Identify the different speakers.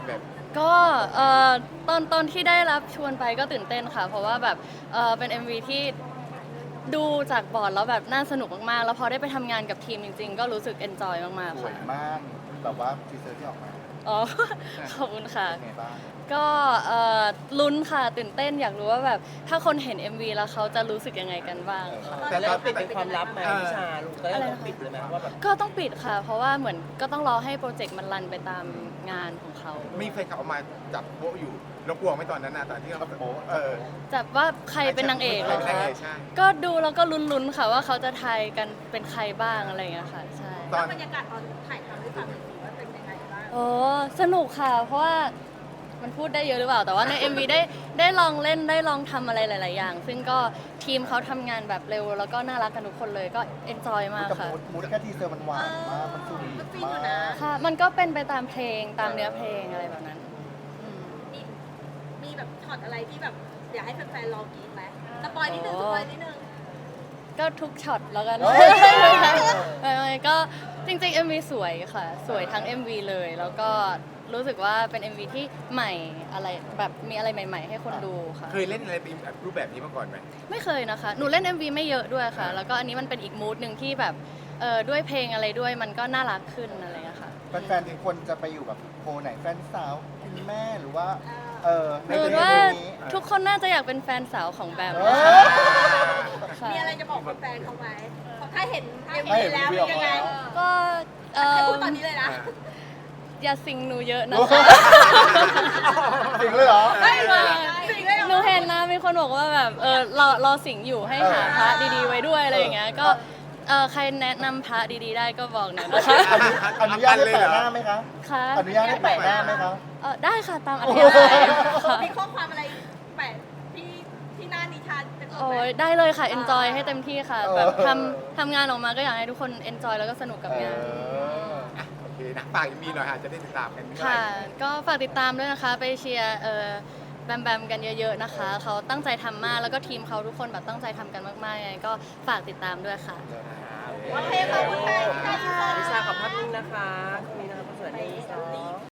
Speaker 1: แบบ
Speaker 2: ก็ตอนที่ได้รับชวนไปก็ตื่นเต้นค่ะ เพราะว่าแบบเป็น MV ที่ดูจากบอร์ดแล้วแบบน่าสนุกมากๆแล้วพอได้ไปทำงานกับทีมจริงๆก็รู้สึกเอนจอยมาก
Speaker 3: ส
Speaker 2: ๆ
Speaker 3: วย
Speaker 2: ค่ะ
Speaker 3: มากแบบว่าทีเซอร์ที่ออกมา
Speaker 2: อ๋อ ขอบคุณค่ะ
Speaker 3: เป็นไงบ้าง
Speaker 2: ก็ลุ้นค่ะตื่นเต้นอยากรู้ว่าแบบถ้าคนเห็น MV แล้วเขาจะรู้สึกยังไงกันบ้างค่ะ
Speaker 1: แต่
Speaker 4: แล้ว
Speaker 1: ก็
Speaker 4: เราปิดเป็นความลับไหมพี่ชาลูกก็
Speaker 2: อะไร
Speaker 4: ต้อง
Speaker 2: นะคะ
Speaker 4: ปิดเลยไหมว่าแบบ
Speaker 2: ก็ต้องปิดค่ะ เพราะว่าเหมือนก็ต้องรอให้โปรเจกต์มันรันไปตามงานของเขา
Speaker 1: มีแฟนคลับออกมาจับโป๊ะอยู่เรากลัวไหมตอนนั้นนะตอนที่เราโป๊ะ
Speaker 2: จับว่าใครเป็นนางเอกเหรอ
Speaker 1: ใครเป็นนาง
Speaker 2: คะ
Speaker 1: เอกใช่
Speaker 2: ก็ดูแล้วก็ลุ้นๆค่ะว่าเขาจะทายกันเป็นใครบ้างอะไรอย่างเงี้ยค่ะใช่
Speaker 1: ตอน
Speaker 5: บรรยากาศตอนถ่ายทำให้ฟังหน่อยสิว่าเป็นยังไงบ้าง
Speaker 2: โอ้สนุกค่ะ เพราะว่ามันพูดได้เยอะหรือเปล่า แต่ว่าใน MV ได้ลองเล่นได้ลองทำอะไรหลาย ๆ อย่าง ซึ่งก็ทีมเขาทำงานแบบเร็ว แล้วก็น่ารักกันทุกคนเลยก็เอนจอยมาก
Speaker 3: กับ
Speaker 2: ค่ะ
Speaker 3: มูดแค่ทีเซอร์มันหวานมากมันสวีทมาก
Speaker 2: ค่ะ มันก็เป็นไปตามเพลงตามเนื้อเพลงอะไรแบบนั้นอืม
Speaker 5: มีแบบช็อตอะไรที่แบบอยากให้แฟนๆรอกรี๊ดไหมสปอยนิดนึงสปอยนิดนึง
Speaker 2: ก็ทุกช็อตแล้วกัน
Speaker 3: เฮ้ย
Speaker 2: ไม่ก็จริงๆ MV สวยค่ะ สวยทั้ง MV เลย แล้วก็รู้สึกว่าเป็น MV ที่ใหม่อะไรแบบมีอะไรใหม่ ๆ ให้คนดูค่ะ
Speaker 1: เคยเล่นอะไรเป็นแบบรูปแบบนี้มาก่อนไหม
Speaker 2: ไม่เคยนะคะ หนูเล่น MV ไม่เยอะด้วยค่ะ แล้วก็อันนี้มันเป็นอีกมูดหนึ่งที่แบบด้วยเพลงอะไรด้วยมันก็น่ารักขึ้นอะไรอย่างเงี้ยค่ะ
Speaker 3: แฟนๆทุกคนจะไปอยู่แบบโพลไหนแฟนสาวคุณแม่หรือว่าใน
Speaker 2: หนู
Speaker 3: เพลง
Speaker 2: ว่า
Speaker 3: นี้
Speaker 2: ทุกคนน่าจะอยากเป็นแฟนสาวของแบม
Speaker 3: เอ
Speaker 2: นะคะ
Speaker 3: อ
Speaker 2: ค่ะ
Speaker 5: มีอะไรจะบอกแฟนๆเขาไหมถ้าเห็นเอ็ม
Speaker 3: ถ้าเห็
Speaker 5: วี
Speaker 3: น
Speaker 5: แล้ว
Speaker 3: MV
Speaker 5: เป็นยังไง
Speaker 2: ก็
Speaker 5: ให้พูดตอนนี้เลยนะ
Speaker 2: อย่าสิงหนูเยอะนะคะ
Speaker 3: จริงเลยเหรอ
Speaker 2: ไม่มา
Speaker 5: สิ่งเลย
Speaker 2: หนูเห็นนะมีคนบอกว่าแบบรอสิงอยู่ให้หาพระดีๆไว้ด้วยอะไรอย่างเงี้ยก็ใครแนะนำพระดีๆได้ก็บอกหน่อยนะคะ
Speaker 3: อนุญาตให้แปะหน้าไหมคะ
Speaker 2: ค่ะ
Speaker 3: อนุญาตให้แปะหน้าไหมคะ
Speaker 2: ได้ค่ะตามอัธยาศัยค่ะ
Speaker 5: มีข้อความอะไรแปะที่หน้านิทานเป็นตัว
Speaker 2: โอ้
Speaker 5: แปะ
Speaker 2: ยได้เลยค่ะ enjoy ให้เต็มที่ค่ะ แบบ
Speaker 3: เออ
Speaker 2: ทำงานออกมาก็อยากให้ทุกคน enjoy แล้วก็สนุกกับงาน
Speaker 1: อ่ะโอเคนะฝากยังมีหน่อยฮะจะได้ติดตามกันเมื่อไหร่
Speaker 2: ค่ะ ก็ฝากติดตามด้วยนะคะ ไปเชียร์แบมแบมกันเยอะๆนะคะ เขาตั้งใจทำมาก แล้วก็ทีมเขาทุกคนแบบตั้งใจทำกันมากๆยังไงก็ฝากติดตามด้วยค่ะ
Speaker 5: โอเคขอบคุณค่ะ
Speaker 4: พี่ชาขอบภาพนิ่งนะคะตรงนี้นะคะสวัสดี